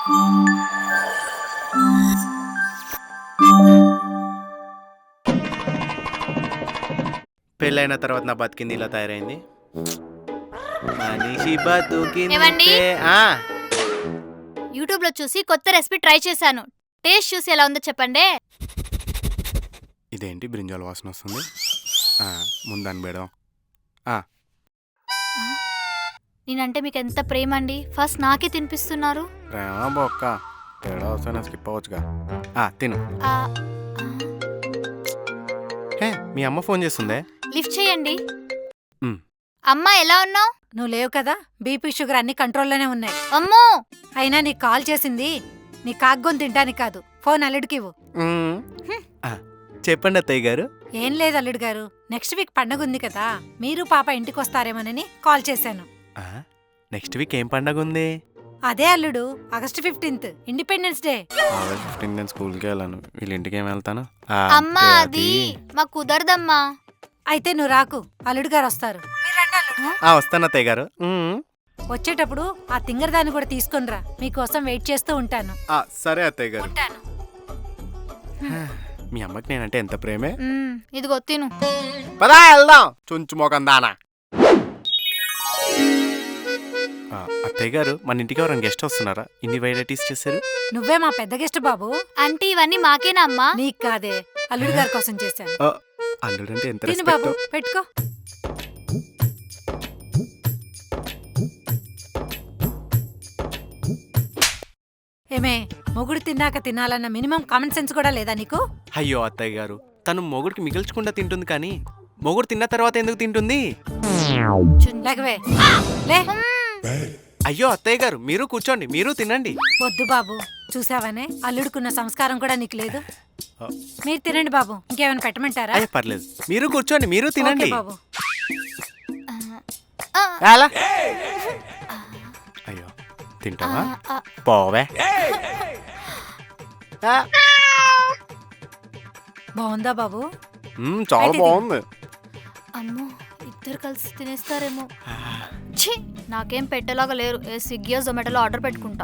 పెళ్ళైన తర్వాత నా బతికింది ఇలా తయారైంది. మనిషి ఏవండి? బతుకిందే. యూట్యూబ్ లో చూసి కొత్త రెసిపీ ట్రై చేశాను. టేస్ట్ చూసి ఎలా ఉందో చెప్పండి. ఇదేంటి బ్రింజాల్ వాసన వస్తుంది? ముందని బేడం. నేనంటే మీకు ఎంత ప్రేమ అండి. ఫస్ట్ నాకే తినిపిస్తున్నారు. ప్రేమ బొక్క తేడా వస్తే స్కిప్ అవ్వచ్చుగా. తిను. ఆ, హే, మీ అమ్మ ఫోన్ చేస్తుందే. లిఫ్ట్ చేయండి. మ్. అమ్మా ఎలా ఉన్నావు? నువ్వు లేవు కదా, బీపీ షుగర్ అన్ని కంట్రోల్లోనే ఉన్నాయి. అమ్మో అయినా నీకు కాల్ చేసింది నీ కాగ్గొని తింటానికి కాదు. ఫోన్ అల్లుడికి ఇవ్వు. చెప్పండి అత్తయ్య గారు. ఏం లేదు అల్లుడు గారు, నెక్స్ట్ వీక్ పండగ ఉంది కదా, మీరు పాప ఇంటికి వస్తారేమోనని కాల్ చేశాను. నెక్స్ట్ వీక్ ఏం పండగ ఉంది? అదే అల్లుడు, August 15th independence day. August 15 నేను స్కూల్కి వెళ్ళాను. వీళ్ళ ఇంటికి ఏం వెళ్తాను? అమ్మా అది మాకు కుదరదమ్మా. అయితే నువ్వు రాకు, అల్లుడు గారు వస్తారు. మీరు రండి అల్లుడు. వస్తాను అత్తయ్య గారు. వచ్చేటప్పుడు ఆ తింగరదాన్ని కూడా తీసుకునిరా, మీకోసం వెయిట్ చేస్తూ ఉంటాను. సరే అత్తయ్య గారు. ఉంటాను. మీ అమ్మకి నేనంటే ఎంత ప్రేమే. ఇదిగో తిను. పదా వెళ్దాం చుంచు మోకం దానా. అత్తయ్య గారు, మన ఇంటికి ఎవరైనా గెస్ట్ వస్తున్నారా? ఇన్ని వెరైటీస్ చేశారు. నువ్వే మా పెద్ద గెస్ట్ బాబు. అంటే ఇవన్నీ మాకేనా అమ్మా? నీకు కాదే, అల్లుడు గారి కోసం చేశాను. అల్లుడంటే ఎంత తిను బాబు, రెస్పెక్ట్. పెట్టుకో. ఏమే, మొగుడు తిన్నాక తినాలన్న మినిమం కామన్ సెన్స్ కూడా లేదా నీకు? అయ్యో అత్తయ్య గారు, తను మొగుడికి మిగిల్చకుండా తింటుంది కానీ మొగుడు తిన్న తర్వాత ఎందుకు తింటుంది? లేకవే లే. అయ్యో అత్తయ్య గారు, మీరు కూర్చోండి, మీరు తినండి. వద్దు బాబు, చూసావనే అల్లుడుకున్న సంస్కారం కూడా నీకు లేదు. మీరు తినండి బాబు, ఇంకేమైనా పెట్టమంటారా? అయ్యో పర్లేదు, మీరు కూర్చోండి, మీరు తినండి. ఓకే బాబు. ఎలా? అయ్యో తింటావా? పోవే. బాగుందా బాబు? చాలా అయితే బాగుంది. అమ్మో ఇద్దరు కలిసి తినేస్తారేమో. ఛీ, నాకేం పెట్టేలాగా లేరు. స్విగ్గీ జొమాటోలో ఆర్డర్ పెట్టుకుంటా.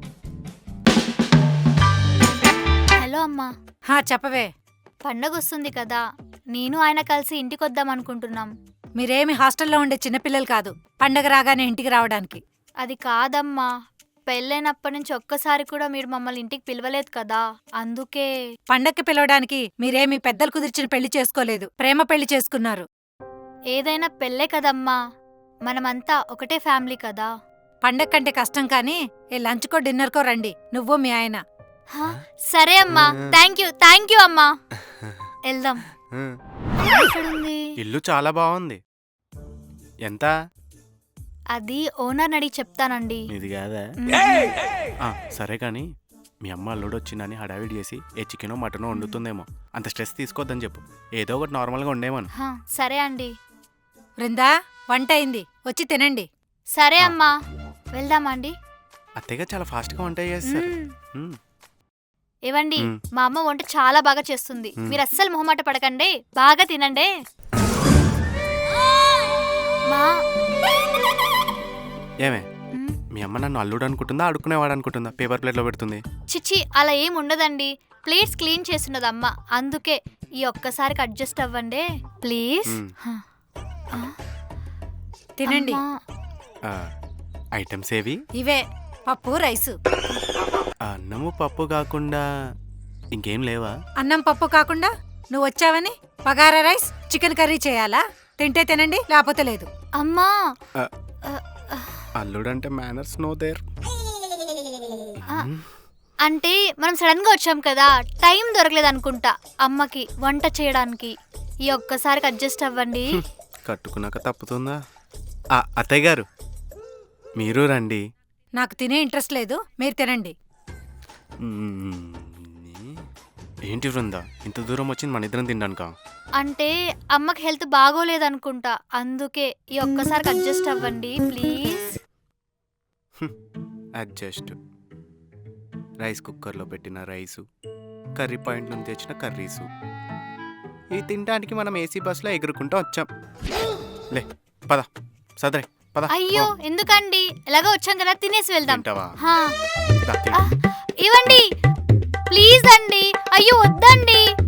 హలో అమ్మా. చెప్పవే. పండగ వస్తుంది కదా, నేను ఆయన కలిసి ఇంటికి వద్దాం అనుకుంటున్నాం. మీరేమి హాస్టల్లో ఉండే చిన్నపిల్లలు కాదు, పండగ రాగానే ఇంటికి రావడానికి. అది కాదమ్మా, పెళ్ళైనప్పటి నుంచి ఒక్కసారి కూడా మీరు మమ్మల్ని ఇంటికి పిలవలేదు కదా, అందుకే. పండక్కి పిలవడానికి మీరేమి పెద్దలు కుదిర్చిన పెళ్లి చేసుకోలేదు, ప్రేమ పెళ్లి చేసుకున్నారు. ఏదైనా పెళ్ళే కదమ్మా, మనమంతా ఒకటే ఫ్యామిలీ కదా. పండగ కంటే కష్టం కానీ ఏ లంచ్కో డిన్నర్కో రండి, నువ్వు మీ ఆయన. సరే అమ్మా, థ్యాంక్ యూ అమ్మా. వెళ్దాం. ఎక్కడుంది? ఇల్లు చాలా బాగుంది. ఎంత? అది ఓనర్ అడిగి చెప్తానండి. ఇది కాదా? సరే కానీ మీ అమ్మ అల్లుడు వచ్చిందని హడావిడి చేసి ఏ చికెనో మటనో వండుతుందేమో. అంత స్ట్రెస్ తీసుకోవద్దని చెప్పు, ఏదో ఒకటి నార్మల్గా ఉండేమను. సరే అండి. బృందా, వంట అయింది, వచ్చి తినండి. సరే అమ్మా, వెళ్దామా అండి? అత్తయ్య చాలా ఫాస్ట్గా వంట చేస్తారు. ఏవండి, మా అమ్మ వంట చాలా బాగా చేస్తుంది. మీరు అస్సలు మొహమాట పడకండి, బాగా తినండి. ఏమే, మీ అమ్మ నన్ను అల్లుడు అనుకుంటుందా, అడుక్కునేవాడు అనుకుంటుందా? పేపర్ ప్లేట్లో పెడుతుంది. చిచ్చి, అలా ఏం ఉండదండి. ప్లేట్స్ క్లీన్ చేస్తున్నది అమ్మ, అందుకే. ఈ ఒక్కసారికి అడ్జస్ట్ అవ్వండి ప్లీజ్. తినండి. ఐటమ్స్ ఏవి? ఇవే, పప్పు రైసు. అన్నము పప్పు కాకుండా ఇంకేం లేవా? అన్నం పప్పు కాకుండా నువ్వు వచ్చావని బగారా రైస్ చికెన్ కర్రీ చేయాలా? తింటే తినండి, లేకపోతే లేదు. అమ్మా, అల్లుడంటే మేనర్స్ నో దేర్. అంటే మనం సడన్ గా వచ్చాం కదా, టైం దొరకలేదు అనుకుంటా అమ్మకి వంట చేయడానికి. ఈ ఒక్కసారికి అడ్జస్ట్ అవ్వండి. కట్టుకున్నాక తప్పుతుందా? అత్తయ్య గారు, మీరు రండి. నాకు తినే ఇంట్రెస్ట్ లేదు, మీరు తినండి. ఏంటి బృందా, ఇంత దూరం వచ్చింది మన ఇద్దరం తినడానికా? అంటే అమ్మకి హెల్త్ బాగోలేదనుకుంటా, అందుకే. ఈ ఒక్కసారికి అడ్జస్ట్ అవ్వండి ప్లీజ్. అడ్జస్ట్. రైస్ కుక్కర్లో పెట్టిన రైసు, కర్రీ పాయింట్ నుంచి తెచ్చిన కర్రీసు, ఇవి తినడానికి మనం ఏసీ బస్సులో ఎగురుకుంటూ వచ్చాం. లే పద, సదరే పద అయ్యో ఎందుకండి ఎలాగో వచ్చాం కదా తినేసి వెళ్దాం తింటావా? హా. దా, తిను. ఇవ్వండి ప్లీజ్ అండి అయ్యో వద్దండి